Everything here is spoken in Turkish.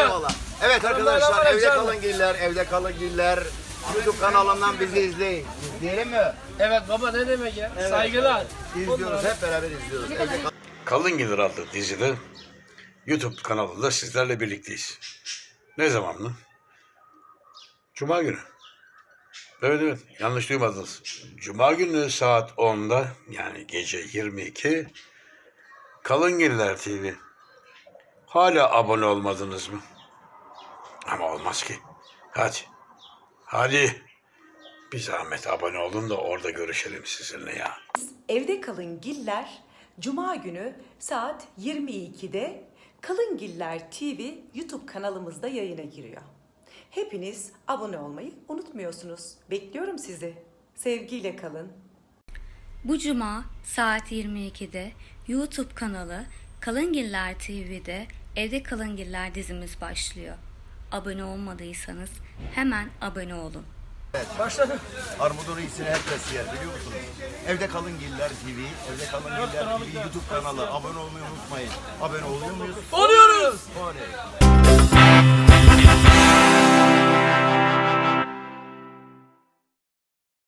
Eyvallah. Evet arkadaşlar, evde kalın giller, evde kalın giller. YouTube kanalından bizi izleyin. İzleyelim mi? Evet baba, ne demek ya? Evet. Saygılar. İzliyoruz, hep beraber izliyoruz. Evde Kalın adlı dizide YouTube kanalında sizlerle birlikteyiz. Ne zaman mı? Cuma günü. Evet, yanlış duymadınız. Cuma günü saat 10'da, yani gece 22, Kalın TV. Hala abone olmadınız mı? Ama olmaz ki. Hadi. Bir zahmet abone olun da orada görüşelim sizinle ya. Evde Kalın Giller Cuma günü saat 22'de Kalın TV YouTube kanalımızda yayına giriyor. Hepiniz abone olmayı unutmuyorsunuz. Bekliyorum sizi. Sevgiyle kalın. Bu cuma saat 22'de YouTube kanalı Kalın TV'de Evde Kalın dizimiz başlıyor. Abone olmadıysanız hemen abone olun. Başladı. Armudun iyisini herkes yer, biliyor musunuz? Evde kalın giller TV, Evde kalın giller TV YouTube kanalı. Abone olmayı unutmayın. Abone oluyor muyuz? Oluyoruz. Oley.